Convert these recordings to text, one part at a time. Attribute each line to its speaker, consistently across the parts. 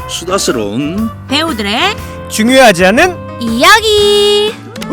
Speaker 1: 수다스러운
Speaker 2: 배우들의
Speaker 3: 중요하지 않은
Speaker 2: 이야기.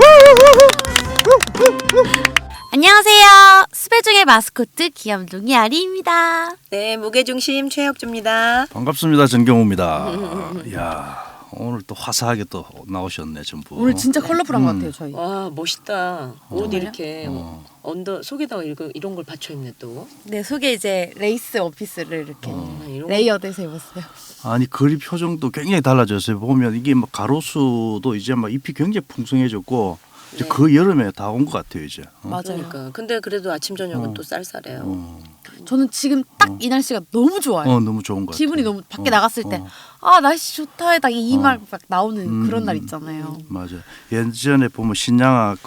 Speaker 2: 안녕하세요. 수배중의 마스코트 귀염둥이 아리입니다.
Speaker 4: 네, 무게중심 최혁주입니다.
Speaker 1: 반갑습니다. 전경호입니다. 이야, 오늘 또 화사하게 또 나오셨네 전부.
Speaker 2: 오늘 진짜 컬러풀한 것 같아요 저희.
Speaker 4: 와, 멋있다. 옷
Speaker 2: 정말요?
Speaker 4: 이렇게 언더 속에다가 이런 걸 받쳐 입네 또.
Speaker 2: 네, 속에 이제 레이스 원피스를 이렇게
Speaker 4: 이런
Speaker 2: 레이어드해서 입었어요.
Speaker 1: 아니 그립 표정도 굉장히 달라졌어요. 보면 이게 막 가로수도 이제 막 잎이 굉장히 풍성해졌고 이제
Speaker 4: 네.
Speaker 1: 그 여름에 다 온 것 같아요 이제.
Speaker 2: 맞아요.
Speaker 4: 그러니까. 근데 그래도 아침 저녁은 또 쌀쌀해요.
Speaker 2: 저는 지금 딱 이 날씨가 너무 좋아요.
Speaker 1: 너무 좋은 것 같아요.
Speaker 2: 기분이 너무 밖에 나갔을 때 아 날씨 좋다 딱 이 말 막 나오는 그런 날 있잖아요.
Speaker 1: 맞아요. 예전에 보면 신양아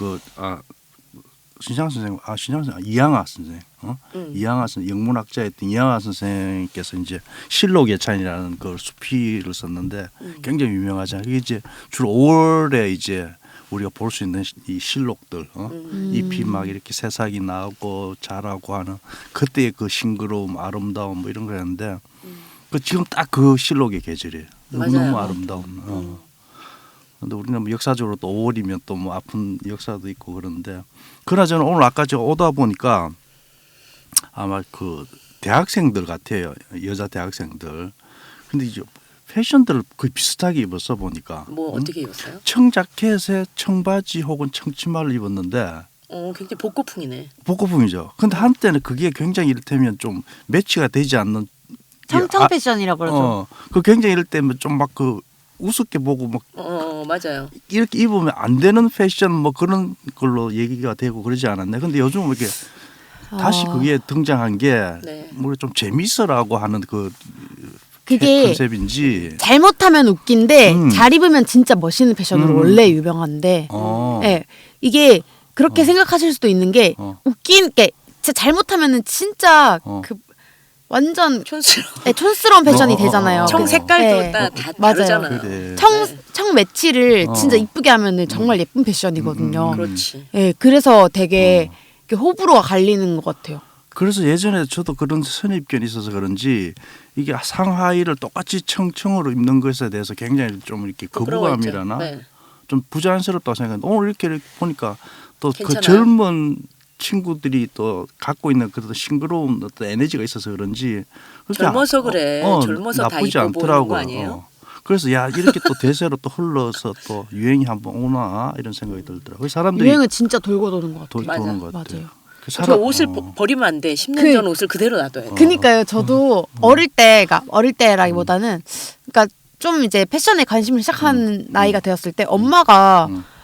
Speaker 1: 신양아 선생 이양아 선생 이양아 선생 영문학자였던 이양아 선생께서 이제 실록예찬이라는 그 수필을 썼는데 굉장히 유명하잖아요. 그게 이제 주로 5월에 이제 우리가 볼 수 있는 이 실록들 잎이 막 이렇게 새싹이 나고 자라고 하는 그때의 그 싱그러움 아름다움 뭐 이런 거였는데 그 지금 딱 그 실록의 계절이에요. 너무
Speaker 4: 맞아요.
Speaker 1: 아름다운. 근데 우리는 뭐 역사적으로 또 5월이면 또 뭐 아픈 역사도 있고 그런데 그나저나 오늘 아까 저 오다 보니까 아마 그 대학생들 같아요. 여자 대학생들. 근데 이제 패션들을 거의 비슷하게 입었어 보니까.
Speaker 4: 뭐 어떻게 입었어요?
Speaker 1: 청자켓에 청바지 혹은 청치마를 입었는데
Speaker 4: 굉장히 복고풍이네.
Speaker 1: 복고풍이죠. 근데 한때는 그게 굉장히 이를테면 좀 매치가 되지 않는
Speaker 2: 청청 패션이라고 그러죠.
Speaker 1: 그 굉장히 이럴 때면 좀 막 그 우습게 보고 막
Speaker 4: 맞아요.
Speaker 1: 이렇게 입으면 안 되는 패션 뭐 그런 걸로 얘기가 되고 그러지 않았네. 근데 요즘 이렇게 다시 그게 등장한 게
Speaker 4: 네.
Speaker 1: 뭐 좀 재밌어라고 하는 그
Speaker 2: 그게
Speaker 1: 컨셉인지.
Speaker 2: 잘못하면 웃긴데 잘 입으면 진짜 멋있는 패션으로 원래 유명한데 예, 이게 그렇게 생각하실 수도 있는 게 웃긴 게 진짜 잘못하면은 진짜 그 완전
Speaker 4: 촌스러워.
Speaker 2: 네, 촌스러운 패션이 되잖아요.
Speaker 4: 청 색깔도
Speaker 2: 네.
Speaker 4: 다
Speaker 2: 맞아요.
Speaker 4: 다르잖아요.
Speaker 1: 그래.
Speaker 2: 청 매치를 진짜 이쁘게 하면은 정말 예쁜 패션이거든요.
Speaker 4: 그렇지.
Speaker 2: 예, 그래서 되게 이렇게 호불호가 갈리는 것 같아요.
Speaker 1: 그래서 예전에 저도 그런 선입견이 있어서 그런지 이게 상하의를 똑같이 청청으로 입는 것에 대해서 굉장히 좀 이렇게 거부감이라나
Speaker 4: 네.
Speaker 1: 좀 부자연스럽다고 생각했는데 오늘 이렇게 보니까 또 그
Speaker 4: 괜찮아요?
Speaker 1: 젊은 친구들이 또 갖고 있는 그런 싱그러운 어떤 에너지가 있어서 그런지 그렇게
Speaker 4: 젊어서 그래. 젊어서 다
Speaker 1: 나쁘지
Speaker 4: 입고 보이는 거
Speaker 1: 않더라고요.
Speaker 4: 아니에요?
Speaker 1: 그래서 야 이렇게 또 대세로 또 흘러서 또 유행이 한번 오나 이런 생각이 들더라고요. 사람들이
Speaker 2: 유행은 진짜 돌고 도는 것 같아요.
Speaker 1: 도는 것 같아요.
Speaker 2: 맞아요.
Speaker 4: 그 옷을 버리면 안 돼. 10년 전 옷을 그대로 놔둬야 돼.
Speaker 2: 그니까요. 저도 어릴 때라기보다는 그러니까 좀 이제 패션에 관심을 시작한 나이가 되었을 때 엄마가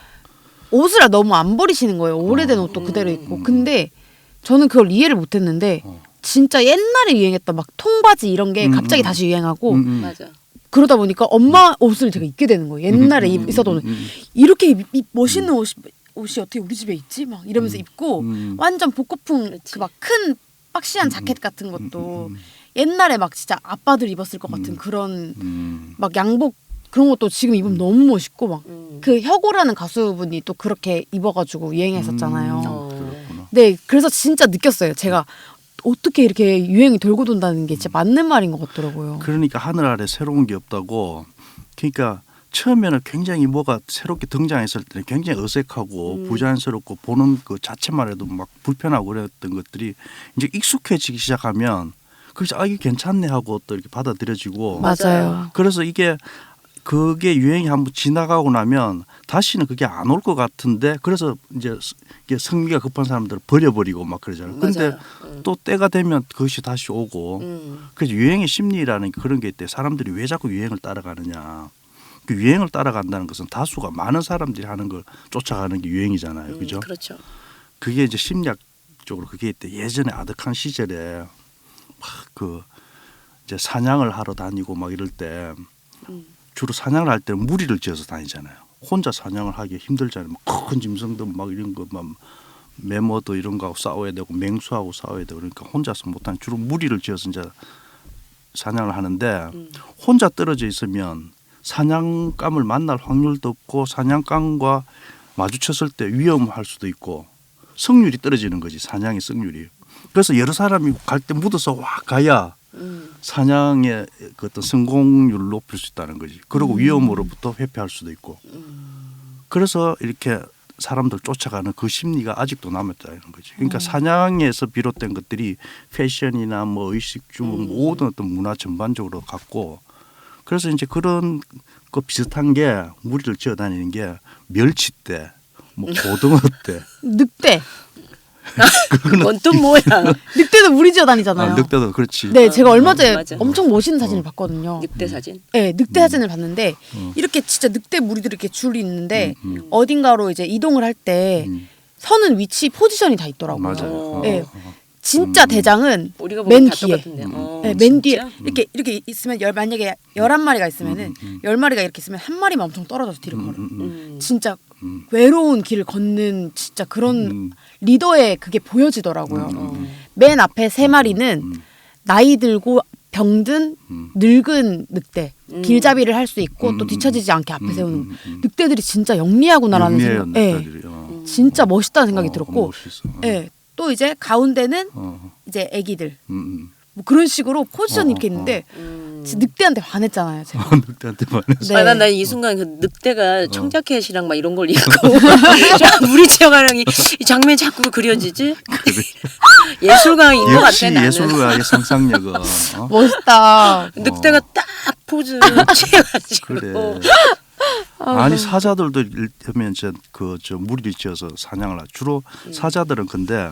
Speaker 2: 옷을 너무 안 버리시는 거예요. 오래된 옷도 그대로 입고. 근데 저는 그걸 이해를 못 했는데 진짜 옛날에 유행했던 막 통바지 이런 게 갑자기 다시 유행하고
Speaker 4: 맞아.
Speaker 2: 그러다 보니까 엄마 옷을 제가 입게 되는 거예요. 옛날에 있었던 이렇게 멋있는 옷이 어떻게 우리 집에 있지? 막 이러면서 입고 완전 복고풍 그 막 큰 박시한 자켓 같은 것도 옛날에 막 진짜 아빠들 입었을 것 같은 그런 막 양복 그런 것도 지금 입으면 너무 멋있고 막 그 혁오라는 가수분이 또 그렇게 입어가지고 유행했었잖아요. 네, 그래서 진짜 느꼈어요. 제가 어떻게 이렇게 유행이 돌고 돈다는 게 진짜 맞는 말인 것 같더라고요.
Speaker 1: 그러니까 하늘 아래 새로운 게 없다고. 그러니까 처음에는 굉장히 뭐가 새롭게 등장했을 때는 굉장히 어색하고 부자연스럽고 보는 그 자체만 해도 막 불편하고 그랬던 것들이 이제 익숙해지기 시작하면 그래서 이게 괜찮네 하고 또 이렇게 받아들여지고.
Speaker 2: 맞아요.
Speaker 1: 그래서 그게 유행이 한번 지나가고 나면 다시는 그게 안 올 것 같은데 그래서 이제 이게 성미가 급한 사람들은 버려버리고 막 그러잖아요. 근데 또 때가 되면 그것이 다시 오고 그래서 유행의 심리라는 그런 게 있대. 사람들이 왜 자꾸 유행을 따라가느냐. 그 유행을 따라간다는 것은 다수가 많은 사람들이 하는 걸 쫓아가는 게 유행이잖아요. 그죠?
Speaker 4: 그렇죠.
Speaker 1: 그게 이제 심리학적으로 그게 있대. 예전에 아득한 시절에 막 그 이제 사냥을 하러 다니고 막 이럴 때 주로 사냥을 할 때는 무리를 지어서 다니잖아요. 혼자 사냥을 하기 힘들잖아요. 막 큰 짐승들 막 이런 거 막 매머도 이런 거하고 싸워야 되고 맹수하고 싸워야 되고 그러니까 혼자서 못하는 주로 무리를 지어서 이제 사냥을 하는데 혼자 떨어져 있으면 사냥감을 만날 확률도 없고 사냥감과 마주쳤을 때 위험할 수도 있고 성률이 떨어지는 거지. 사냥의 성률이. 그래서 여러 사람이 갈 때 묻어서 와 가야 사냥의 그 어떤 성공률을 높일 수 있다는 거지. 그리고 위험으로부터 회피할 수도 있고. 그래서 이렇게 사람들 쫓아가는 그 심리가 아직도 남았다는 거지. 그러니까 사냥에서 비롯된 것들이 패션이나 뭐 의식주 모든 어떤 문화 전반적으로 갖고 그래서 이제 그런 거 비슷한 게 무리를 지어 다니는 게 멸치떼, 뭐 고등어 떼,
Speaker 2: 늑대.
Speaker 4: 그건 또 뭐야?
Speaker 2: 늑대도 무리지어 다니잖아요.
Speaker 1: 늑대도 그렇지.
Speaker 2: 네, 제가 얼마 전에
Speaker 4: 맞아.
Speaker 2: 엄청 멋있는 사진을 봤거든요.
Speaker 4: 늑대 사진?
Speaker 2: 네, 늑대 사진을 봤는데 이렇게 진짜 늑대 무리들이 이렇게 줄이 있는데 어딘가로 이제 이동을 할 때 서는 위치 포지션이 다 있더라고요.
Speaker 1: 맞아요.
Speaker 2: 네, 진짜 대장은
Speaker 4: 우리가 보면
Speaker 2: 맨
Speaker 4: 다
Speaker 2: 뒤에.
Speaker 4: 똑같은데.
Speaker 2: 네, 맨 뒤에
Speaker 4: 진짜?
Speaker 2: 이렇게 있으면 만약에 11마리가 있으면은 10마리가 이렇게 있으면 한 마리만 엄청 떨어져서 뒤를 걸어요. 진짜 외로운 길을 걷는 진짜 그런 리더의 그게 보여지더라고요. 맨 앞에 3마리는 나이 들고 병든 늙은 늑대 길잡이를 할 수 있고 또 뒤처지지 않게 앞에 세우는 늑대들이 진짜 영리하구나라는
Speaker 1: 영리해요,
Speaker 2: 생각. 네,
Speaker 1: 늑대들이.
Speaker 2: 진짜 멋있다는 생각이 들었고,
Speaker 1: 멋있어.
Speaker 2: 네, 또 이제 가운데는 이제 애기들 뭐 그런 식으로 포지션이 이렇게 있는데 진짜 늑대한테 반했잖아요, 제가.
Speaker 1: 늑대한테 반해서.
Speaker 2: 네.
Speaker 4: 난 이 순간 그 늑대가 청자켓이랑 막 이런 걸 입고 우리 지역아랑이 이 장면이 자꾸 그려지지? 예술가인 것 같아
Speaker 1: 역시
Speaker 4: 나는.
Speaker 1: 예술가의 상상력은
Speaker 2: 멋있다.
Speaker 4: 늑대가 딱 포즈 취해가지고.
Speaker 1: 그래. 아니 사자들도 이를테면 저 무리를 지어서 사냥을 하죠. 주로 사자들은 근데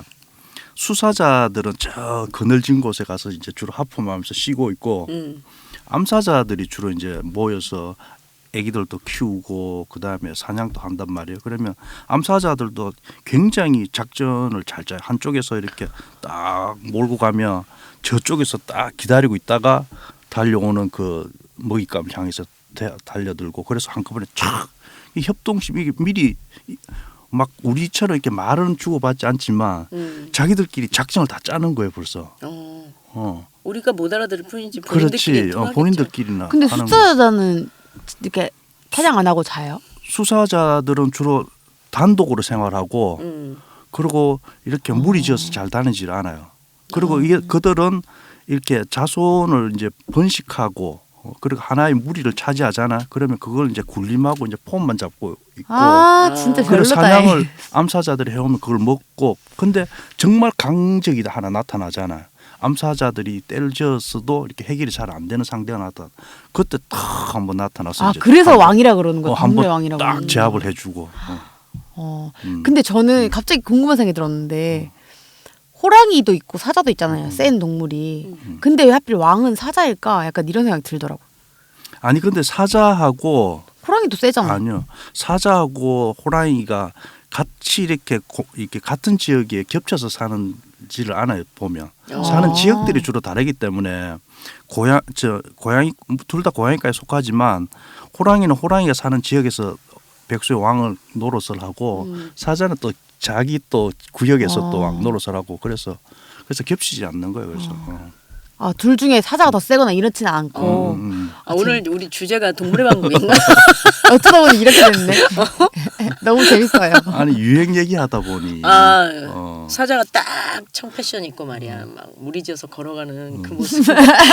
Speaker 1: 수사자들은 저 그늘진 곳에 가서 이제 주로 하품하면서 쉬고 있고 암사자들이 주로 이제 모여서 애기들도 키우고 그 다음에 사냥도 한단 말이에요. 그러면 암사자들도 굉장히 작전을 잘 짜요. 한쪽에서 이렇게 딱 몰고 가면 저쪽에서 딱 기다리고 있다가 달려오는 그 먹잇감 향해서 달려들고 그래서 한꺼번에 촥 이 협동심 이게 미리 막 우리처럼 이렇게 말은 주고받지 않지만 자기들끼리 작전을 다 짜는 거예요 벌써.
Speaker 4: 우리가 못 알아들을 뿐이지 본인들끼리
Speaker 1: 그렇지.
Speaker 4: 통하겠죠.
Speaker 1: 본인들끼리나.
Speaker 2: 근데
Speaker 1: 하는
Speaker 2: 수사자는 이렇게 사냥 안 하고 자요?
Speaker 1: 수사자들은 주로 단독으로 생활하고 그리고 이렇게 무리지어서 잘 다니질 않아요. 그리고 이게 그들은 이렇게 자손을 이제 번식하고 그리고 하나의 무리를 차지하잖아. 그러면 그걸 이제 군림하고 이제 폼만 잡고 있고.
Speaker 2: 아 진짜
Speaker 1: 그래서
Speaker 2: 별로다.
Speaker 1: 사냥을 암사자들이 해오면 그걸 먹고. 근데 정말 강적이 하나 나타나잖아요. 암사자들이 때를 지었어도 이렇게 해결이 잘 안 되는 상대가 나타나. 그때 탁 한번 나타나서
Speaker 2: 아
Speaker 1: 이제
Speaker 2: 그래서 왕이라 그러는 거야. 동물의
Speaker 1: 한번
Speaker 2: 왕이라고.
Speaker 1: 딱 제압을 해주고.
Speaker 2: 근데 저는 갑자기 궁금한 생각이 들었는데 호랑이도 있고 사자도 있잖아요. 센 동물이. 근데 왜 하필 왕은 사자일까? 약간 이런 생각이 들더라고.
Speaker 1: 아니 근데 사자하고
Speaker 2: 호랑이도 세잖아.
Speaker 1: 아니요 사자하고 호랑이가 같이 이렇게 같은 지역에 겹쳐서 사는지를 않아요 보면 사는 지역들이 주로 다르기 때문에 고양이 둘 다 고양이과에 속하지만 호랑이는 호랑이가 사는 지역에서 백수의 왕을 노릇을 하고 사자는 또 자기 또 구역에서 또 왕 노릇을 하고 그래서 겹치지 않는 거예요. 그래서
Speaker 2: 아, 둘 중에 사자가 더 세거나 이렇지는 않고.
Speaker 4: 오늘 우리 주제가 동물의 왕국인가?
Speaker 2: 어쩌다 보니 이렇게 됐네. 너무 재밌어요.
Speaker 1: 아니 유행 얘기하다 보니
Speaker 4: 사자가 딱 청패션 입고 말이야 막 무리지어서 걸어가는 그 모습.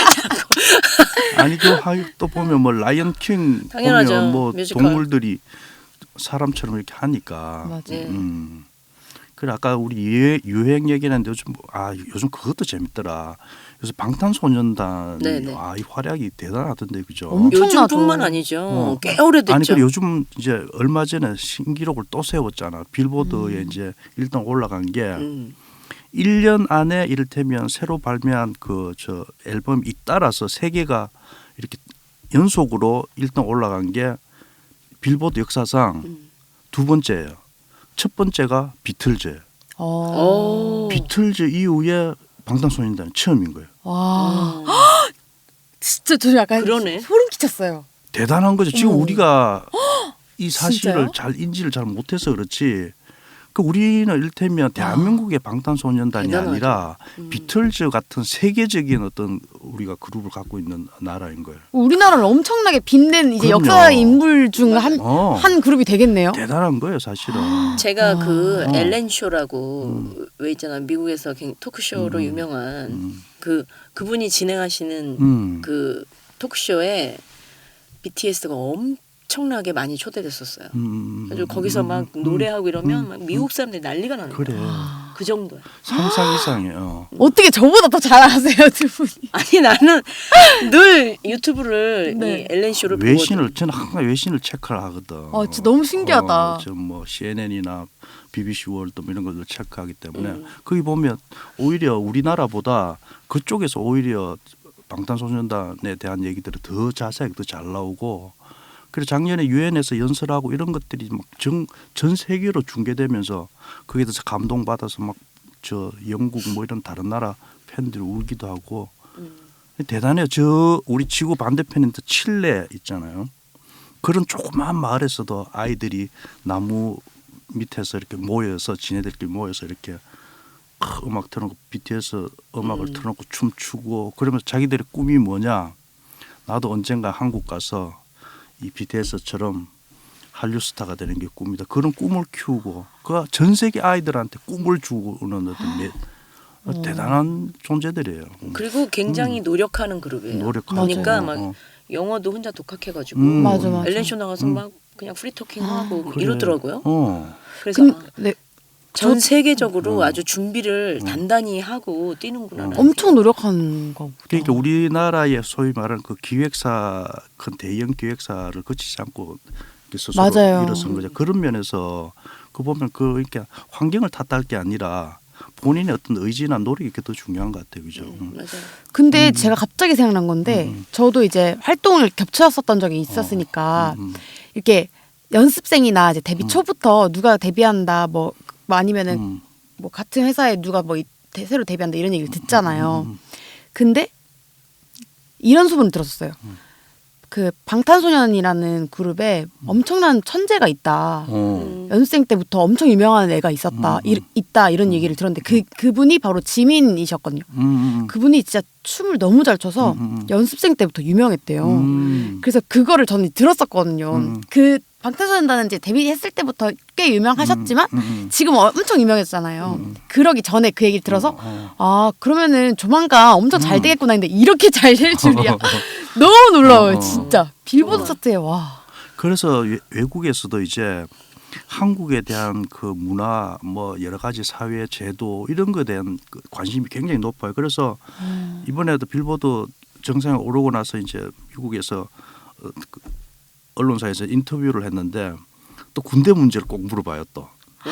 Speaker 1: 아니 또 보면 뭐 라이언 킹
Speaker 4: 당연하죠.
Speaker 1: 보면 뭐
Speaker 4: 뮤지컬.
Speaker 1: 동물들이 사람처럼 이렇게 하니까.
Speaker 2: 맞아요.
Speaker 1: 그래 아까 우리 유행 얘기했는데 요즘 그것도 재밌더라. 요새 방탄소년단
Speaker 4: 네네.
Speaker 1: 이 활약이 대단하던데 그죠?
Speaker 2: 엄청나죠.
Speaker 4: 요즘뿐만 아니죠. 꽤 오래됐죠.
Speaker 1: 아니 그래 요즘 이제 얼마 전에 신기록을 또 세웠잖아. 빌보드에 이제 1등 올라간 게 1년 안에 이를테면 새로 발매한 저 앨범 잇따라서 3개가 이렇게 연속으로 1등 올라간 게 빌보드 역사상 2번째예요. 첫 번째가 비틀즈예요. 비틀즈 이후에 방탄소년단이 처음인 거예요.
Speaker 2: 와. 진짜 저 약간
Speaker 4: 그러네.
Speaker 2: 소름 끼쳤어요.
Speaker 1: 대단한 거죠. 지금 우리가 이 사실을
Speaker 2: 진짜요?
Speaker 1: 잘 인지를 잘 못해서 그렇지. 그 우리는 이를테면 대한민국의 방탄소년단이
Speaker 4: 대단하죠.
Speaker 1: 아니라 비틀즈 같은 세계적인 어떤 우리가 그룹을 갖고 있는 나라인 거예요.
Speaker 2: 우리나라를 엄청나게 빛낸 이제
Speaker 1: 그럼요.
Speaker 2: 역사의 인물 중 한
Speaker 1: 어.
Speaker 2: 그룹이 되겠네요.
Speaker 1: 대단한 거예요, 사실은.
Speaker 4: 제가 그
Speaker 1: 어.
Speaker 4: 엘렌 쇼라고 왜 있잖아 미국에서 토크쇼로 유명한 그분이 진행하시는 그 토크쇼에 BTS가 엄청나게 많이 초대됐었어요. 그래서 거기서 막 노래하고 이러면 막 미국 사람들이 난리가 나는
Speaker 1: 그래.
Speaker 4: 거예요. 그 정도야.
Speaker 1: 상상 이상이에요.
Speaker 2: 어떻게 저보다 더 잘하세요, 두 분이?
Speaker 4: 아니 나는 늘 유튜브를
Speaker 2: 네.
Speaker 4: 이 엘렌 쇼를
Speaker 1: 외신을 저는 항상 외신을 체크를 하거든.
Speaker 2: 진짜 너무 신기하다.
Speaker 1: 저뭐 CNN이나 BBC 월드 뭐 이런 것들 체크하기 때문에 거기 보면 오히려 우리나라보다 그쪽에서 오히려 방탄소년단에 대한 얘기들이 더 자세하게 더 잘 나오고 그래서 작년에 유엔에서 연설하고 이런 것들이 막 전 세계로 중계되면서 거기에 대해서 감동받아서 막 저 영국 뭐 이런 다른 나라 팬들이 울기도 하고 대단해요. 저 우리 지구 반대편인 칠레 있잖아요. 그런 조그마한 마을에서도 아이들이 나무 밑에서 이렇게 모여서 지네들끼리 모여서 이렇게 음악 틀어놓고 BTS 음악을 틀어놓고 춤추고 그러면서 자기들의 꿈이 뭐냐 나도 언젠가 한국 가서 이 BTS처럼 한류 스타가 되는 게 꿈이다. 그런 꿈을 키우고 그 전 세계 아이들한테 꿈을 주는 어떤 대단한 존재들이에요.
Speaker 4: 그리고 굉장히 노력하는 그룹이에요.
Speaker 1: 노력하고.
Speaker 4: 보니까
Speaker 1: 맞아요.
Speaker 4: 막 영어도 혼자 독학해가지고
Speaker 2: 맞아.
Speaker 4: 엘렌 쇼 나가서 막 그냥 프리토킹하고
Speaker 1: 그래.
Speaker 4: 이러더라고요. 그래서
Speaker 2: 네,
Speaker 4: 전 세계적으로 아주 준비를 단단히 하고 뛰는구나.
Speaker 2: 엄청 노력한 거보다.
Speaker 1: 그러니까 우리나라의 소위 말하는 그 기획사 큰 대형 기획사를 거치지 않고 이렇게 스스로
Speaker 2: 맞아요.
Speaker 1: 일어선 거죠. 그런 면에서 그 보면 그 그러니까 환경을 탓할 게 아니라 본인의 어떤 의지나 노력이 더 중요한 것 같아요, 그죠?
Speaker 4: 맞아요.
Speaker 2: 근데 제가 갑자기 생각난 건데 저도 이제 활동을 겹쳤었던 적이 있었으니까 이렇게 연습생이나 이제 데뷔 초부터 누가 데뷔한다 뭐 아니면은 뭐 같은 회사에 누가 뭐 새로 데뷔한다 이런 얘기를 듣잖아요. 근데 이런 소문을 들었었어요. 그 방탄소년이라는 그룹에 엄청난 천재가 있다. 연습생 때부터 엄청 유명한 애가 있었다. 있다 이런 얘기를 들었는데 그분이 바로 지민이셨거든요. 그분이 진짜 춤을 너무 잘 춰서 연습생 때부터 유명했대요. 그래서 그거를 저는 들었었거든요. 그 방탄소년단은 이제 데뷔했을 때부터 꽤 유명하셨지만 지금 엄청 유명했잖아요. 그러기 전에 그 얘기를 들어서 아 그러면은 조만간 엄청 잘 되겠구나 했는데 이렇게 잘 될 줄이야. 너무 놀라워요, 진짜. 빌보드 차트에 와.
Speaker 1: 그래서 외국에서도 이제 한국에 대한 그 문화 뭐 여러 가지 사회 제도 이런 거에 대한 그 관심이 굉장히 높아요. 그래서 이번에도 빌보드 정상에 오르고 나서 이제 미국에서 언론사에서 인터뷰를 했는데 또 군대 문제를 꼭 물어봐요 또.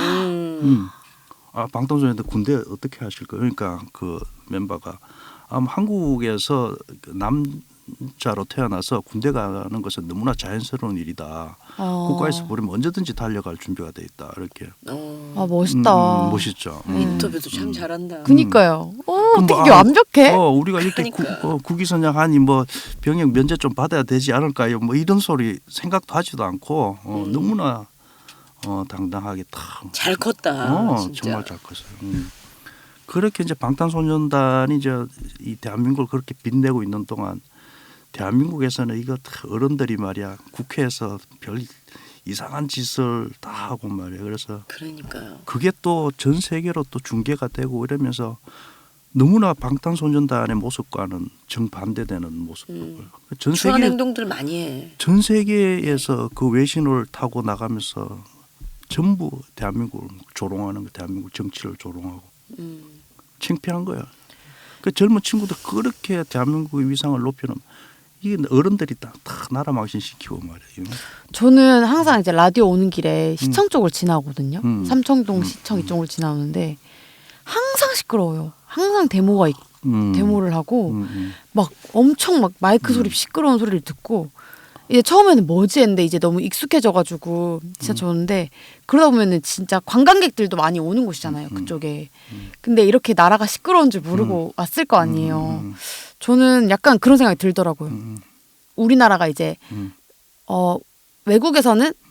Speaker 1: 방탄소년단 군대 어떻게 하실 거예요? 그러니까 그 멤버가 한국에서 남자로 태어나서 군대 가는 것은 너무나 자연스러운 일이다. 국가에서 부르면 언제든지 달려갈 준비가 돼 있다. 이렇게.
Speaker 2: 아 멋있다.
Speaker 1: 멋있죠.
Speaker 4: 인터뷰도 참 잘한다.
Speaker 2: 그니까요. 어떻게
Speaker 1: 뭐,
Speaker 2: 이게 완벽해?
Speaker 1: 우리가 이렇게 국위선양하니 뭐 병역 면제 좀 받아야 되지 않을까요? 뭐 이런 소리 생각도 하지도 않고 너무나 당당하게 탁.
Speaker 4: 잘 컸다. 진짜.
Speaker 1: 정말 잘 컸어요. 그렇게 이제 방탄소년단이 이제 이 대한민국을 그렇게 빛내고 있는 동안 대한민국에서는 이거 어른들이 말이야 국회에서 별 이상한 짓을 다 하고 말이야. 그래서
Speaker 4: 그러니까요.
Speaker 1: 그게 또 전 세계로 또 중계가 되고 이러면서 너무나 방탄소년단의 모습과는 정반대되는 모습을 전
Speaker 4: 추한
Speaker 1: 세계
Speaker 4: 행동들 많이 해.
Speaker 1: 전 세계에서 그 외신을 타고 나가면서 전부 대한민국을 조롱하는 거, 대한민국 정치를 조롱하고 창피한 거야. 그 젊은 친구들 그렇게 대한민국의 위상을 높이는 이게 어른들이 다 나라 망신시키고 말이에요.
Speaker 2: 저는 항상 이제 라디오 오는 길에 시청 쪽을 지나거든요. 삼청동 시청 이쪽을 지나오는데 항상 시끄러워요. 항상 데모를 하고 막 엄청 막 마이크 소리 시끄러운 소리를 듣고 이제 처음에는 뭐지 했는데 이제 너무 익숙해져가지고 진짜 좋은데 그러다 보면은 진짜 관광객들도 많이 오는 곳이잖아요. 그쪽에. 근데 이렇게 나라가 시끄러운 줄 모르고 왔을 거 아니에요. 저는 약간 그런 생각이 들더라고요. 우리나라가 이제 외국에서는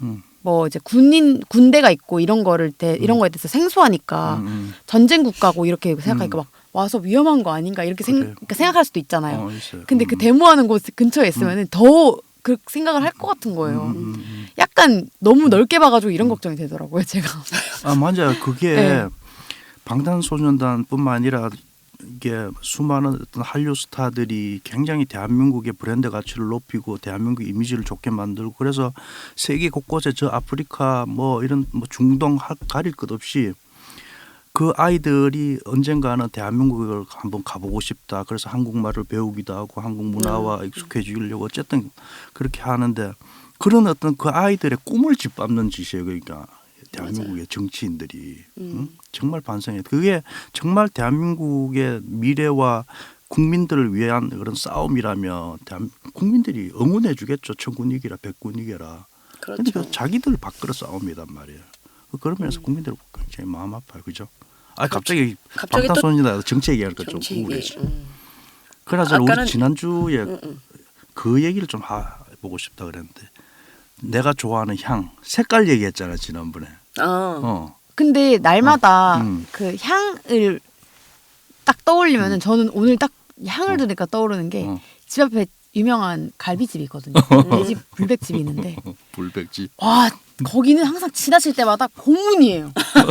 Speaker 2: 뭐 이제 군대가 있고 이런 거를 이런 거에 대해서 생소하니까 전쟁 국가고 이렇게 생각하니까 막 와서 위험한 거 아닌가 이렇게 그러니까 생각할 수도 있잖아요.
Speaker 1: 있어요.
Speaker 2: 근데 그 데모하는 곳 근처에 있으면은 더 그 생각을 할 것 같은 거예요. 약간 너무 넓게 봐가지고 이런 걱정이 되더라고요, 제가.
Speaker 1: 아 맞아요. 그게
Speaker 2: 네.
Speaker 1: 방탄소년단뿐만 아니라 이게 수많은 어떤 한류 스타들이 굉장히 대한민국의 브랜드 가치를 높이고 대한민국 이미지를 좋게 만들고 그래서 세계 곳곳에 저 아프리카 뭐 이런 뭐 중동 가릴 것 없이 그 아이들이 언젠가는 대한민국을 한번 가보고 싶다. 그래서 한국말을 배우기도 하고 한국 문화와 익숙해지려고 어쨌든 그렇게 하는데 그런 어떤 그 아이들의 꿈을 짓밟는 짓이에요. 그러니까 대한민국의 정치인들이 정말 반성해요. 그게 정말 대한민국의 미래와 국민들을 위한 그런 싸움이라면 국민들이 응원해 주겠죠. 천군 이기라 백군 이겨라. 그런데
Speaker 4: 그렇죠.
Speaker 1: 자기들 밖으로 싸움이란 말이에요. 그러면서 국민들 굉장히 마음 아파요. 그죠? 아 갑자기 방탄소년단 정치 얘기하니까 좀 우울해져. 그나저나
Speaker 4: 아까는-
Speaker 1: 우리 지난주에 그 얘기를 좀 해보고 싶다 그랬는데 내가 좋아하는 향 색깔 얘기했잖아 지난번에.
Speaker 2: 근데 날마다
Speaker 1: 음.
Speaker 2: 그 향을 딱 떠올리면은 저는 오늘 딱 향을 들으니까 떠오르는 게 집 앞에 유명한 갈비집이 있거든요. 돼지 불백집이 있는데
Speaker 1: 불백지.
Speaker 2: 와 거기는 항상 지나칠 때마다 고문이에요.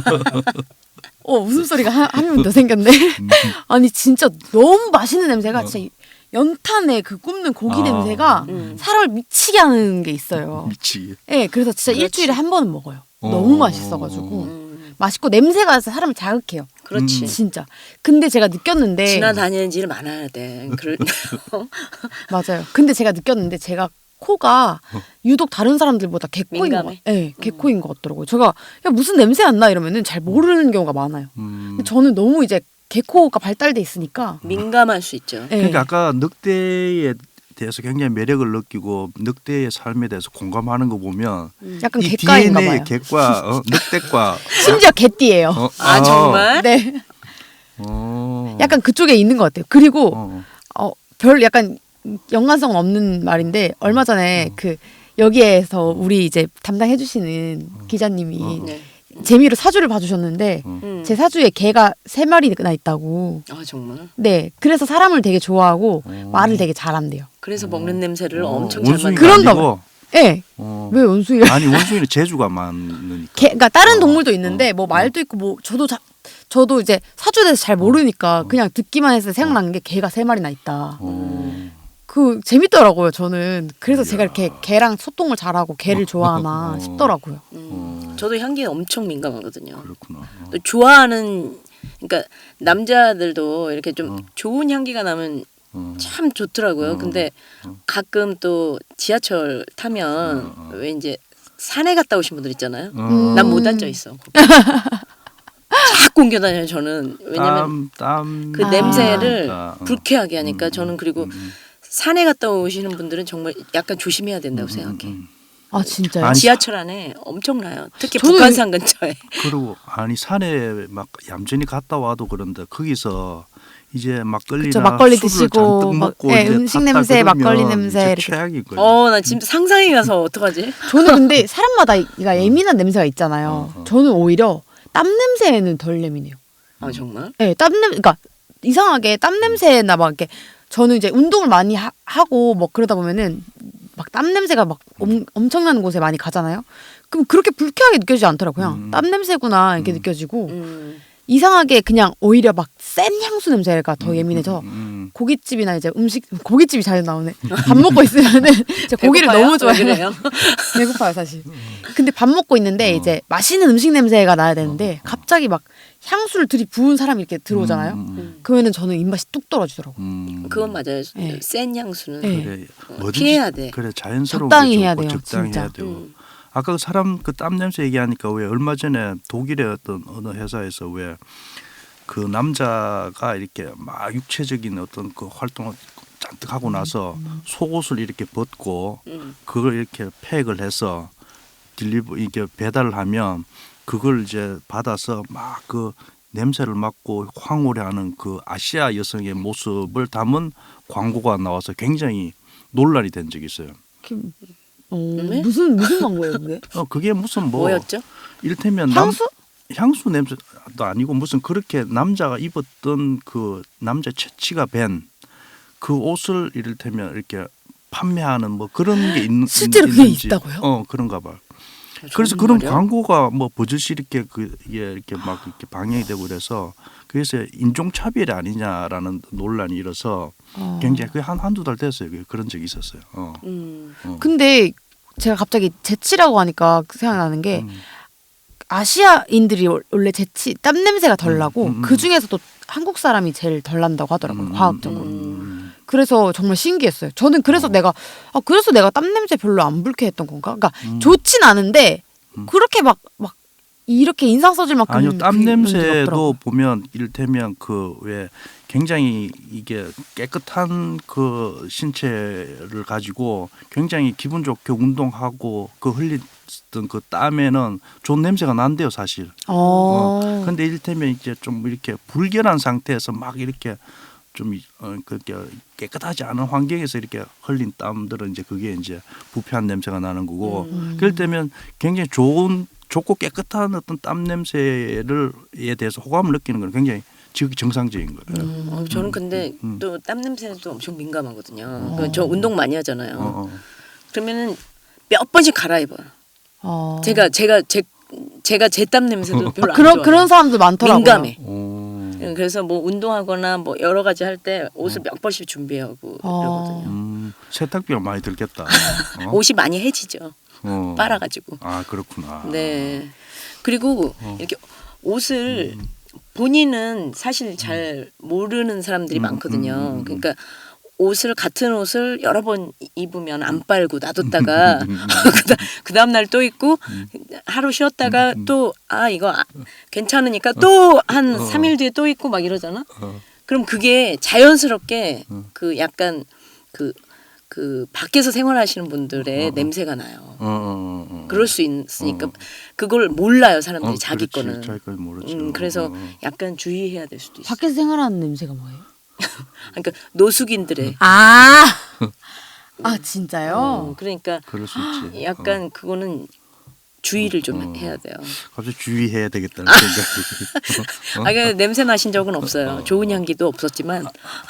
Speaker 2: 웃음소리가 한 명 더 생겼네. 아니 진짜 너무 맛있는 냄새가 진짜 연탄에 그 굽는 고기 냄새가 사람을 미치게 하는 게 있어요.
Speaker 1: 미치게.
Speaker 2: 네, 그래서 진짜
Speaker 4: 그렇지.
Speaker 2: 일주일에 한 번은 먹어요. 너무 맛있어가지고 맛있고 냄새가 사람을 자극해요.
Speaker 4: 그렇지.
Speaker 2: 진짜. 근데 제가 느꼈는데
Speaker 4: 지나다니는 일 많아야 돼.
Speaker 2: 맞아요. 근데 제가 느꼈는데 제가 코가 유독 다른 사람들보다 개코인 거,
Speaker 4: 민감해?
Speaker 2: 네, 개코인 것 같더라고요. 제가 야, 무슨 냄새 안 나 이러면은 잘 모르는 경우가 많아요. 근데 저는 너무 이제 개코가 발달돼 있으니까.
Speaker 4: 민감할 수 있죠.
Speaker 2: 네.
Speaker 1: 그러니까 아까 늑대에 대해서 굉장히 매력을 느끼고 늑대의 삶에 대해서 공감하는 거 보면
Speaker 2: 약간
Speaker 1: 이
Speaker 2: 개과인가
Speaker 1: DNA의
Speaker 2: 봐요.
Speaker 1: 개과 늑대과
Speaker 2: 심지어 개띠예요.
Speaker 4: 아 정말?
Speaker 2: 네.
Speaker 1: 어.
Speaker 2: 약간 그쪽에 있는 것 같아요. 그리고
Speaker 1: 어.
Speaker 2: 별 약간 연관성 없는 말인데 얼마 전에 그 여기에서 우리 이제 담당해 주시는 기자님이
Speaker 4: 네.
Speaker 2: 재미로 사주를 봐주셨는데 제 사주에 개가 3마리나 있다고.
Speaker 4: 아 정말?
Speaker 2: 네, 그래서 사람을 되게 좋아하고 말을 되게 잘한대요.
Speaker 4: 그래서 먹는 냄새를 엄청 잘
Speaker 1: 원숭이가
Speaker 4: 맡는.
Speaker 2: 그런가
Speaker 1: 아니고,
Speaker 2: 네, 왜 원숭이가?
Speaker 1: 아니 원숭이는 재주가 많으니까.
Speaker 2: 그러니까 다른 동물도 있는데 뭐 말도 있고 뭐 저도 이제 사주에 대해서 잘 모르니까 그냥 듣기만 해서 생각난 게 개가 3마리나 있다. 그 재밌더라고요. 저는 그래서 제가 이렇게 개랑 소통을 잘하고 개를 좋아하나 싶더라고요.
Speaker 4: 저도 향기에 엄청 민감하거든요.
Speaker 1: 그렇구나.
Speaker 4: 또 좋아하는 그러니까 남자들도 이렇게 좀 좋은 향기가 나면 참 좋더라고요. 근데 가끔 또 지하철 타면 왜 이제 산에 갔다 오신 분들 있잖아요. 난 못 앉아 있어. 자꾸 옮겨 다녀요. 저는 왜냐면 그 냄새를 불쾌하게 하니까 저는 그리고 산에 갔다 오시는 분들은 정말 약간 조심해야 된다고 생각해.
Speaker 2: 아 진짜요?
Speaker 1: 아니,
Speaker 4: 지하철 안에 엄청나요. 특히
Speaker 2: 저는
Speaker 4: 북한산 근처에.
Speaker 1: 그리고 아니 산에 막 얌전히 갔다 와도 그런데 거기서 이제 막걸리나
Speaker 2: 그쵸, 막걸리
Speaker 1: 술을
Speaker 2: 드시고
Speaker 1: 잔뜩
Speaker 2: 막,
Speaker 1: 먹고
Speaker 2: 네,
Speaker 1: 이제
Speaker 2: 음식
Speaker 1: 탔다
Speaker 2: 냄새,
Speaker 1: 그러면
Speaker 2: 막걸리 냄새
Speaker 1: 이제
Speaker 2: 이렇게.
Speaker 1: 최악인 거예요.
Speaker 4: 나 지금 상상이 가서 어떡하지?
Speaker 2: 저는 근데 사람마다 예민한 냄새가 있잖아요. 저는 오히려 땀 냄새에는 덜 예민해요.
Speaker 4: 아 정말?
Speaker 2: 네, 그러니까 이상하게 땀 냄새나 막 이렇게 저는 이제 운동을 많이 하고 뭐 그러다 보면은 막 땀 냄새가 막 엄청나는 곳에 많이 가잖아요. 그럼 그렇게 불쾌하게 느껴지지 않더라고요. 그냥 땀 냄새구나 이렇게 느껴지고 이상하게 그냥 오히려 막 센 향수 냄새가 더 예민해서 고깃집이나 이제 고깃집이 잘 나오네. 밥 먹고 있으면은 제가 고기를
Speaker 4: 배고파요?
Speaker 2: 너무
Speaker 4: 왜
Speaker 2: 좋아해요.
Speaker 4: 그래요?
Speaker 2: 배고파요 사실. 근데 밥 먹고 있는데 이제 맛있는 음식 냄새가 나야 되는데 갑자기 막 향수를 들이부은 사람이 이렇게 들어오잖아요. 그러면은 저는 입맛이 뚝 떨어지더라고.
Speaker 4: 그건 맞아요.
Speaker 2: 네.
Speaker 4: 센 향수는
Speaker 2: 네.
Speaker 1: 그래,
Speaker 4: 피해야 돼.
Speaker 1: 그래 자연스러운
Speaker 2: 적당히
Speaker 1: 게
Speaker 2: 해야
Speaker 1: 좋고
Speaker 2: 돼요,
Speaker 1: 적당히
Speaker 2: 진짜.
Speaker 1: 해야 되고. 아까 그 사람 그 땀 냄새 얘기하니까 왜 얼마 전에 독일의 어떤 어느 회사에서 왜 그 남자가 이렇게 막 육체적인 어떤 그 활동을 잔뜩 하고 나서 속옷을 이렇게 벗고 그걸 이렇게 팩을 해서 이렇게 배달을 하면 그걸 이제 받아서 막 그 냄새를 맡고 황홀해하는 그 아시아 여성의 모습을 담은 광고가 나와서 굉장히 논란이 된 적이 있어요.
Speaker 4: 네?
Speaker 2: 무슨 광고예요 그게?
Speaker 1: 그게 무슨 뭐
Speaker 4: 뭐였죠?
Speaker 1: 이를테면
Speaker 2: 향수?
Speaker 1: 향수 냄새도 아니고 무슨 그렇게 남자가 입었던 그 남자 채취가 밴 그 옷을 이를테면 이렇게 판매하는 뭐 그런 게
Speaker 2: 실제로 그게
Speaker 1: 있는지.
Speaker 2: 있다고요?
Speaker 1: 그런가 봐. 그래서 그런 광고가 뭐 버젓이 이렇게 이게 이렇게 막 이렇게 방영이 되고 그래서 그래서 인종 차별이 아니냐라는 논란이 일어서 굉장히 그게 한두 달 됐어요. 그런 적이 있었어요.
Speaker 2: 근데 제가 갑자기 재치라고 하니까 생각나는 게 아시아인들이 원래 재치 땀 냄새가 덜 나고 그 중에서도 한국 사람이 제일 덜 난다고 하더라고요. 과학적으로. 그래서 정말 신기했어요. 저는 그래서 그래서 내가 땀 냄새 별로 안 불쾌했던 건가? 그러니까 좋진 않은데 그렇게 막 이렇게 인상 써질 만큼
Speaker 1: 아니요, 땀
Speaker 2: 그런 적이
Speaker 1: 냄새도
Speaker 2: 없더라고요.
Speaker 1: 보면 이를테면 그 왜 굉장히 이게 깨끗한 그 신체를 가지고 굉장히 기분 좋게 운동하고 그 흘렸던 그 땀에는 좋은 냄새가 난대요, 사실. 근데 이를테면 이제 좀 이렇게 불결한 상태에서 막 이렇게 좀 그렇게 깨끗하지 않은 환경에서 이렇게 흘린 땀들은 이제 그게 이제 부패한 냄새가 나는 거고 그럴 때면 굉장히 좋고 깨끗한 어떤 땀 냄새에 대해서 호감을 느끼는 건 굉장히 정상적인 거예요.
Speaker 4: 저는 근데 또 땀 냄새도 엄청 민감하거든요. 저 운동 많이 하잖아요. 그러면은 몇 번씩 갈아입어요. 제가 제 땀 냄새도 별로 안 좋아해요.
Speaker 2: 그런 사람들 많더라고요.
Speaker 4: 민감해. 그래서 뭐 운동하거나 뭐 여러 가지 할 때 옷을 몇 번씩 준비하고 그러거든요.
Speaker 1: 세탁비가 많이 들겠다.
Speaker 4: 옷이 많이 해지죠. 빨아가지고.
Speaker 1: 아, 그렇구나.
Speaker 4: 네. 그리고 이렇게 옷을 본인은 사실 잘 모르는 사람들이 많거든요. 그러니까 같은 옷을 여러 번 입으면 안 빨고 놔뒀다가 그 다음 날 또 입고 하루 쉬었다가 또 이거 괜찮으니까 또 한 3일 뒤에 또 입고 막 이러잖아. 그럼 그게 자연스럽게 그 약간 그 밖에서 생활하시는 분들의 냄새가 나요. 그럴 수 있으니까 그걸 몰라요 사람들이 자기
Speaker 1: 그렇지.
Speaker 4: 거는.
Speaker 1: 자기 걸 모르죠.
Speaker 4: 그래서 약간 주의해야 될 수도 있어요.
Speaker 2: 밖에서 생활하는 냄새가 뭐예요?
Speaker 4: 그러니까 노숙인들의
Speaker 2: 진짜요?
Speaker 4: 그러니까
Speaker 1: 그럴 수 있지.
Speaker 4: 약간 그거는 주의를 좀 해야 돼요.
Speaker 1: 갑자기 주의해야 되겠다는 생각이.
Speaker 4: 그러니까 냄새 나신 적은 없어요. 좋은 향기도 없었지만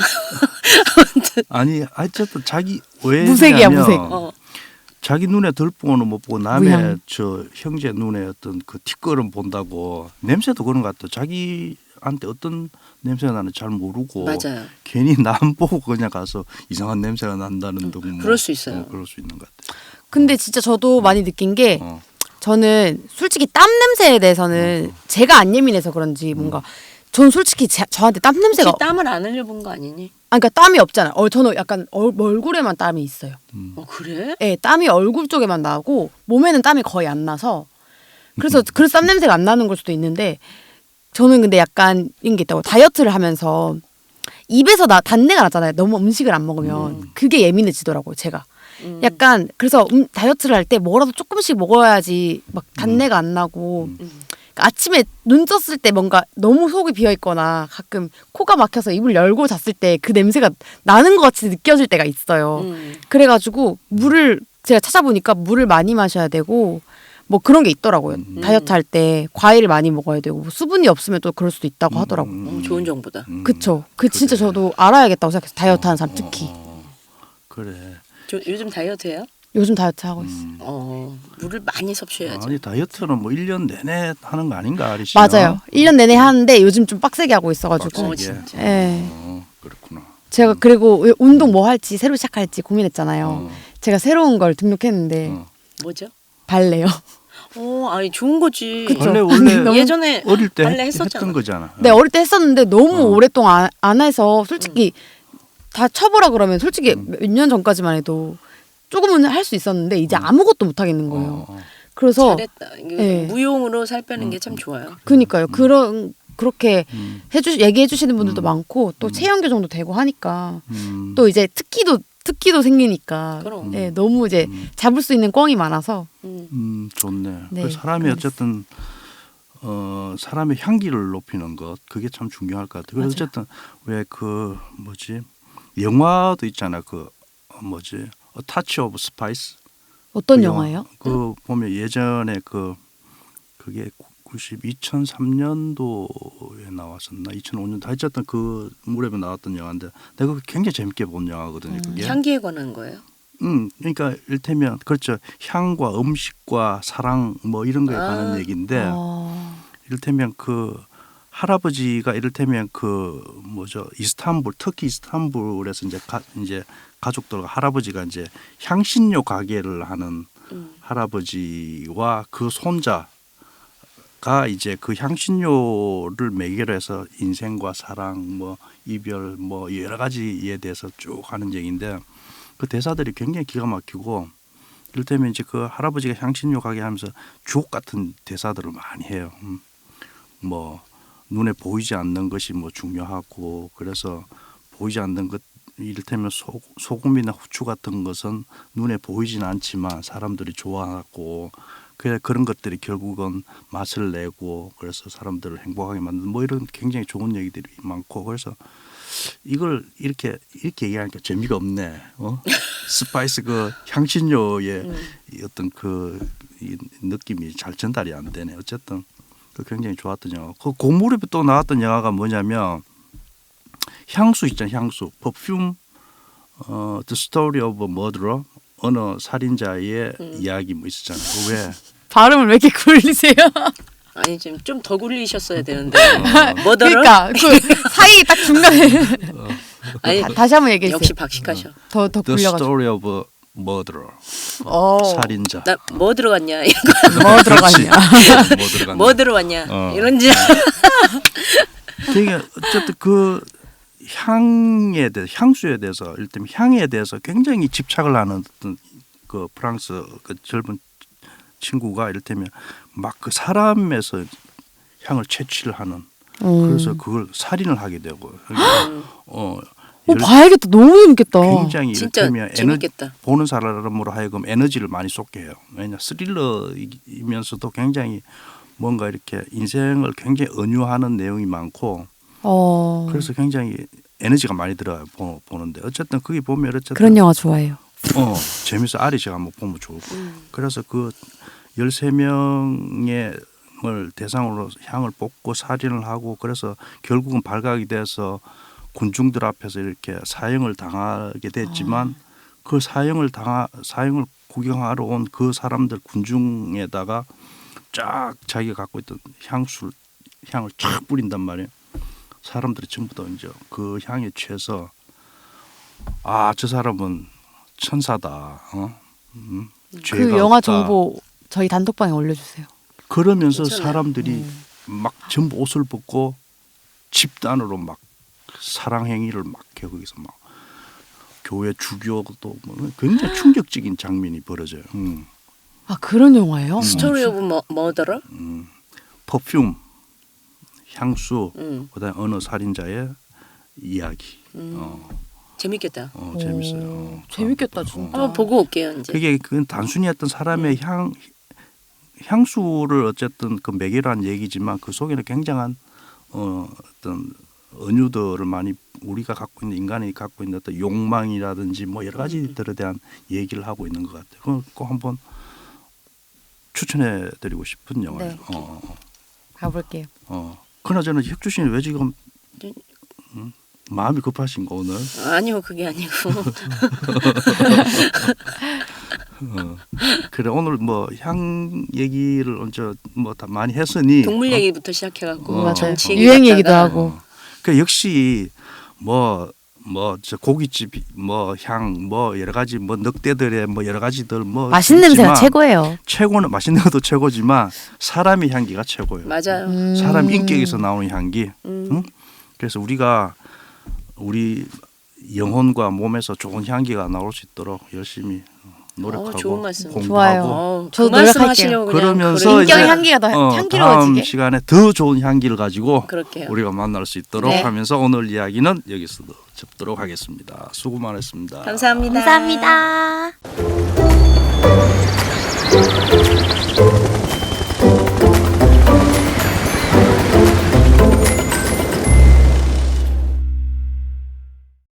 Speaker 1: 아니 어쨌든 자기 왜
Speaker 2: 무색이야,
Speaker 1: 그러냐면
Speaker 2: 무색.
Speaker 1: 자기 눈에 들보는 못 보고 남의
Speaker 2: 무향.
Speaker 1: 저 형제 눈에 어떤 그 뒷걸음 본다고 냄새도 그런 것 같아. 자기한테 어떤 냄새가 나는지 잘 모르고
Speaker 4: 맞아요.
Speaker 1: 괜히 남 보고 그냥 가서 이상한 냄새가 난다는 등 뭐,
Speaker 4: 그럴 수 있어요.
Speaker 1: 그럴 수 있는 것 같아.
Speaker 2: 근데 진짜 저도 많이 느낀 게
Speaker 1: 어.
Speaker 2: 저는 솔직히 땀 냄새에 대해서는 제가 안 예민해서 그런지 뭔가 전 솔직히 저한테 땀 냄새가
Speaker 4: 혹시 땀을 안 흘려본 거 아니니?
Speaker 2: 그러니까 땀이 없잖아요. 저는 약간 얼굴에만 땀이 있어요.
Speaker 4: 그래?
Speaker 2: 네, 땀이 얼굴 쪽에만 나고 몸에는 땀이 거의 안 나서 그래서 땀 냄새가 안 나는 걸 수도 있는데 저는 근데 약간 이런 게 있다고 다이어트를 하면서 입에서 단내가 나잖아요. 너무 음식을 안 먹으면 그게 예민해지더라고요. 제가 약간 그래서 다이어트를 할 때 뭐라도 조금씩 먹어야지 막 단내가 안 나고 그러니까 아침에 눈 떴을 때 뭔가 너무 속이 비어 있거나 가끔 코가 막혀서 입을 열고 잤을 때 그 냄새가 나는 것 같이 느껴질 때가 있어요. 그래가지고 제가 찾아보니까 물을 많이 마셔야 되고 뭐 그런 게 있더라고요. 다이어트 할 때 과일을 많이 먹어야 되고 뭐 수분이 없으면 또 그럴 수도 있다고 하더라고요.
Speaker 4: 좋은 정보다.
Speaker 2: 그쵸. 진짜 저도 알아야겠다고 생각해서 다이어트 하는 사람 특히.
Speaker 1: 그래.
Speaker 4: 요즘 다이어트해요?
Speaker 2: 요즘 다이어트 하고 있어요.
Speaker 4: 물을 많이 섭취해야죠.
Speaker 1: 아니 다이어트는 뭐 1년 내내 하는 거 아닌가 아리씨?
Speaker 2: 맞아요. 1년 내내 하는데 요즘 좀 빡세게 하고 있어가지고.
Speaker 4: 진짜.
Speaker 2: 예.
Speaker 1: 그렇구나.
Speaker 2: 제가 그리고 운동 뭐 할지 새로 시작할지 고민했잖아요. 제가 새로운 걸 등록했는데
Speaker 4: 뭐죠?
Speaker 2: 발레요.
Speaker 4: 아니 좋은 거지.
Speaker 2: 그쵸.
Speaker 1: 원래 원래
Speaker 4: 예전에
Speaker 1: 어릴 때
Speaker 4: 발레 했었잖아.
Speaker 1: 했던 거잖아.
Speaker 2: 네, 어릴 때 했었는데 너무 오랫동안 안 해서 솔직히 다 쳐보라 그러면 솔직히 몇 년 전까지만 해도 조금은 할 수 있었는데 이제 아무것도 못 하겠는 거예요. 그래서
Speaker 4: 잘했다.
Speaker 2: 네.
Speaker 4: 무용으로 살 빼는 게 참 좋아요.
Speaker 2: 그니까요. 그렇게 얘기해 주시는 분들도 많고 또 체형 교정도 되고 하니까 또 이제 특기도 생기니까
Speaker 4: 그럼.
Speaker 2: 네, 너무 이제 잡을 수 있는 꽝이 많아서
Speaker 1: 좋네.
Speaker 2: 네,
Speaker 1: 그 사람이 어쨌든 사람의 향기를 높이는 것 그게 참 중요할 것 같아요. 그래서 어쨌든 왜 그 뭐지 영화도 있잖아. 그 뭐지 A Touch of Spice.
Speaker 2: 어떤 영화예요?
Speaker 1: 그 보면 예전에 그게 2003년도에 나왔었나 2005년도 하여튼 그 무렵에 나왔던 영화인데 내가 그거 굉장히 재밌게 본 영화거든요. 그게.
Speaker 4: 향기에 관한 거예요?
Speaker 1: 그러니까 일테면 그렇죠. 향과 음식과 사랑 뭐 이런 거에 관한 얘기인데 이를테면 그 할아버지가 이를테면 그 뭐죠 이스탄불 터키 이스탄불에서 이제 가족들과 할아버지가 이제 향신료 가게를 하는 할아버지와 그 손자가 이제 그 향신료를 매개로 해서 인생과 사랑 뭐 이별 뭐 여러 가지에 대해서 쭉 하는 얘기인데 그 대사들이 굉장히 기가 막히고 이를테면 이제 그 할아버지가 향신료 가게 하면서 주옥 같은 대사들을 많이 해요. 뭐 눈에 보이지 않는 것이 뭐 중요하고 그래서 보이지 않는 것 이를테면 소금이나 후추 같은 것은 눈에 보이진 않지만 사람들이 좋아하고 그런 것들이 결국은 맛을 내고 그래서 사람들을 행복하게 만드는 뭐 이런 굉장히 좋은 얘기들이 많고 그래서 이걸 이렇게 얘기하니까 재미가 없네. 스파이스 그 향신료의 어떤 이 느낌이 잘 전달이 안 되네. 어쨌든 그 굉장히 좋았던 영화. 그 무렵에 또 나왔던 영화가 뭐냐면 향수 있잖아요. 향수. 퍼퓸 The Story of a Murderer. 어느 살인자의 이야기 뭐 있었잖아요. 왜?
Speaker 2: 발음을 왜 이렇게 굴리세요?
Speaker 4: 아니 좀 더 굴리셨어야 되는데. 뭐더러?
Speaker 2: 그러니까 그 사이 딱 중간에
Speaker 4: 아니
Speaker 2: 다시 한번 얘기해 주세요.
Speaker 4: 역시 박식하셔.
Speaker 2: 더
Speaker 1: The
Speaker 2: 굴려가지고.
Speaker 1: Story of a Murderer. 살인자.
Speaker 4: 나 뭐 들어갔냐?
Speaker 2: 뭐 들어갔냐?
Speaker 1: 뭐 들어갔냐?
Speaker 4: 뭐 들어왔냐? 이런지.
Speaker 1: 되게 어쨌든 그 향에 대해서 향수에 대해서 일단 향에 대해서 굉장히 집착을 하는 어떤 그 프랑스 그 젊은 친구가 이를테면 막 그 사람에서 향을 채취를 하는 그래서 그걸 살인을 하게 되고
Speaker 2: 봐야겠다. 너무 재밌겠다.
Speaker 1: 굉장히
Speaker 4: 진짜
Speaker 1: 이를테면
Speaker 4: 재밌겠다.
Speaker 1: 보는 사람으로 하여금 에너지를 많이 쏟게 해요. 왜냐 스릴러이면서도 굉장히 뭔가 이렇게 인생을 굉장히 은유하는 내용이 많고 그래서 굉장히 에너지가 많이 들어요. 보는데 어쨌든 거기 보면 어쨌든
Speaker 2: 그런 영화 좋아해요.
Speaker 1: 재밌어. 아리 씨가 한번 보면 좋을 거예요. 그래서 그 13명의 을 대상으로 향을 뽑고 살인을 하고 그래서 결국은 발각이 돼서 군중들 앞에서 이렇게 사형을 당하게 됐지만 그 사형을 구경하러 온 그 사람들 군중에다가 쫙 자기가 갖고 있던 향을 쫙 뿌린단 말이에요. 사람들이 전부 다 이제 그 향에 취해서 저 사람은 천사다. 죄가
Speaker 2: 그 영화
Speaker 1: 없다.
Speaker 2: 정보 저희 단톡방에 올려주세요.
Speaker 1: 그러면서
Speaker 4: 괜찮아요.
Speaker 1: 사람들이 막 전부 옷을 벗고 집단으로 막 사랑 행위를 막 해 거기서 막 교회 주교도 뭐 굉장히 충격적인 장면이 벌어져요.
Speaker 2: 그런 영화예요?
Speaker 4: 스토리 오브 머더러?
Speaker 1: 퍼퓸 향수 그다음에 어느 살인자의 이야기.
Speaker 4: 재밌겠다.
Speaker 1: 재밌어요.
Speaker 2: 재밌겠다 진짜.
Speaker 4: 한번 보고 올게요 이제.
Speaker 1: 그게 단순히 어떤 사람의 향수를 어쨌든 그 매개로 한 얘기지만 그 속에는 굉장한 어떤 은유들을 많이 우리가 갖고 있는 인간이 갖고 있는 어떤 욕망이라든지 뭐 여러 가지들에 대한 얘기를 하고 있는 것 같아요. 그걸 꼭 한번 추천해드리고 싶은 영화예요.
Speaker 2: 네. 가볼게요.
Speaker 1: 그나저나 혁주 씨는 왜 지금 마음이 급하신가 오늘?
Speaker 4: 아니요 그게 아니고.
Speaker 1: 그래 오늘 뭐 향 얘기를 언제 뭐 다 많이 했으니
Speaker 4: 동물 얘기부터 시작해갖고
Speaker 2: 맞아요.
Speaker 4: 정치 얘기
Speaker 2: 유행 얘기도
Speaker 4: 갔다가
Speaker 2: 하고.
Speaker 1: 그 역시 저 고깃집 향 여러 가지 늑대들의 여러 가지들
Speaker 2: 맛있는 냄새가
Speaker 1: 있지만
Speaker 2: 최고예요.
Speaker 1: 최고는 맛있는 것도 최고지만 사람의 향기가 최고예요.
Speaker 4: 맞아요.
Speaker 1: 사람 인격에서 나오는 향기. 그래서 우리가 우리 영혼과 몸에서 좋은 향기가 나올 수 있도록 열심히 노력하고
Speaker 4: 좋은 말씀.
Speaker 1: 공부하고
Speaker 2: 좋아요.
Speaker 4: 그
Speaker 2: 저도
Speaker 4: 말씀
Speaker 2: 노력할게요.
Speaker 4: 하시려고 그냥
Speaker 1: 그러면서
Speaker 4: 그래.
Speaker 2: 인격의
Speaker 1: 이제
Speaker 2: 향기가 더
Speaker 1: 다음
Speaker 2: 향기로워지게.
Speaker 1: 시간에 더 좋은 향기를 가지고
Speaker 4: 그럴게요.
Speaker 1: 우리가 만날 수 있도록
Speaker 2: 네.
Speaker 1: 하면서 오늘 이야기는 여기서 접도록 하겠습니다. 수고 많으셨습니다.
Speaker 4: 감사합니다.
Speaker 2: 감사합니다.